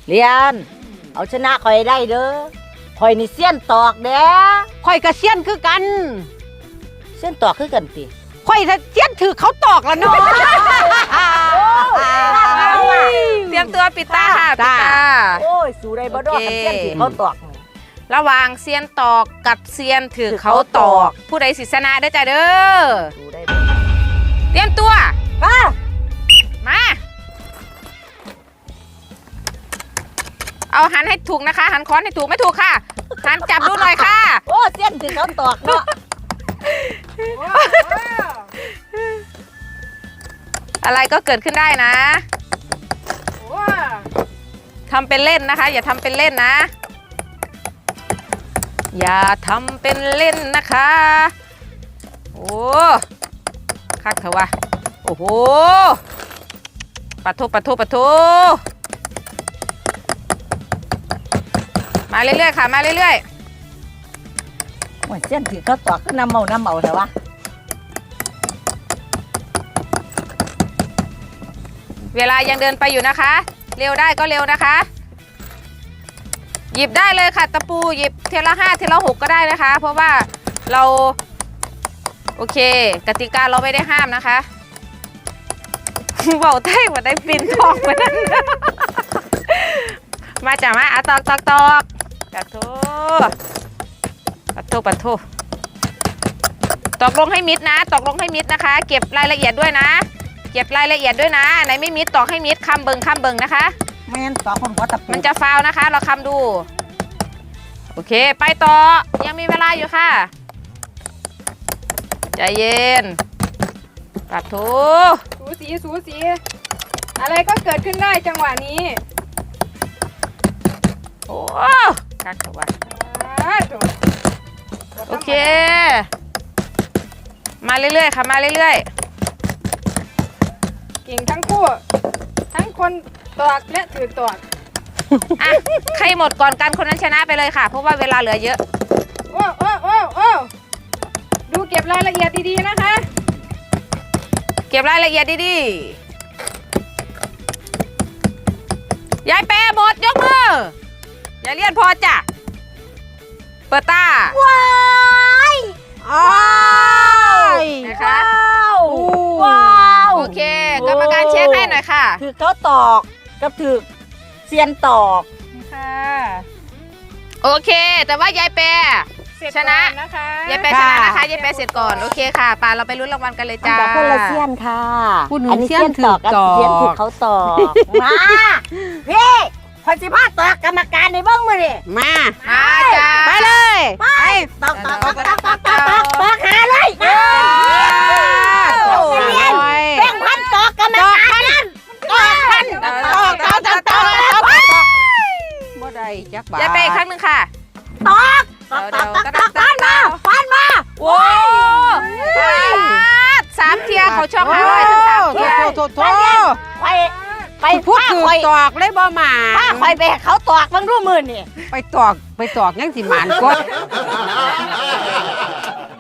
เรียนเอาชนะคอยได้เด้อคอยนี่เสี้ยนตอกเด้อข่อยกระเซียนคือกันเสี้ยนตอกคือกันติข่อยถ้าเซียนถือเขาตอกแล้วเนาะเตรียมตัวปิดตาค่ะปิดตาโอ้ยสู้ได้บ่ดอกโอเคกับเสี้ยนที่เขาตอกระหว่างเซียนตอกกับเซียนถือเขาตอก ผู้ใดสิชนะเด้อจ้าเด้อสู้ได้บ่เตรียมตัวป้ามาเอาหันให้ถูกนะคะ หันค้อนให้ถูกไม่ถูกค่ะหันจับดูหน่อยค่ะโอ้เสี้ยนที่เขาตอกเนาะอะไรก็เกิดขึ้นได้นะทำเป็นเล่นนะคะ อย่าทำเป็นเล่นนะ อย่าทำเป็นเล่นนะคะ โอ้คักเถอะวะโอ้โหปะทุปะทุปะทุมาเรื่อยๆค่ะมาเรื่อยโอ้ยเสี้ยนที่เขาตอกก็น้ำเมาแต่ว่าๆเวลายังเดินไปอยู่นะคะ เร็วได้ก็เร็วนะคะ หยิบได้เลยค่ะตะปูหยิบเทละ5เทละ6ก็ได้นะคะ เพราะว่าเราโอเคกติกาเราไม่ได้ห้ามนะคะเบาไต้หวันได้ปีนทองไปนั่นมาจ้ะมาตอกปะโถตอกลงให้มิดนะตอกลงให้มิดนะคะ เก็บรายละเอียดด้วยนะ เก็บรายละเอียดด้วยนะไหนไม่มิดตอกให้มิดคำเบิงนะคะแม่นตอกคนหัวตะปูมันจะฟาวนะคะ เราคำดูโอเคไปต่อยังมีเวลาอยู่ค่ะใจเย็นปะโถสูสีอะไรก็เกิดขึ้นได้จังหวะนี้โอ้กักเถอะวะโอเค มาเรื่อยๆค่ะมาเรื่อยเก่งทั้งคู่ทั้งคนตอกและถือตอกๆอ่ะใครหมดก่อนกันคนนั้นชนะไปเลยค่ะเพราะว่าเวลาเหลือเยอะโอ้ดูเก็บรายละเอียดดีๆนะคะเก็บรายละเอียดดีๆยายแปรหมดยกมือยายเลียนพอจ้ะเปิดตาว้ายอ้ายนะคะว้าวโอเคกรรมการเช็คให้หน่อยค่ะถือเขาตอกกับถือเสี้ยนตอกค่ะโอเค แต่ว่ายายแปรเสร็จชนะก่อนะคะยายแปรชนะนะคะยายแปรเสร็จก่อนโอเคค่ะป่าเราไปลุ้นรางวัลกันเลยอันจ้าดับคนละเสี้ยนค่ะผู้หนึ่งอันนี้เสี้ยนถือกับตอกเสี้ยนถือเขาตอกมาพี่พอสิพาตอกกรรมการในเบ้างมือดิมามาจ้าไปเลยไปตอกหาเลยเรียนแบ่งพันตอกกรรมการนั่นตอกพันตอกบ่ได้จักบาทยายแปรอีกครั้งหนึ่งค่ะตอกพันมาโอ้สามเทียเขาช่อง500ถึง3เทียโถไปพูดถือตอกเลยบ่หมาป้าคอยไปเขาตอกบางรูมือนี่ไปตอกยังสิหมานกด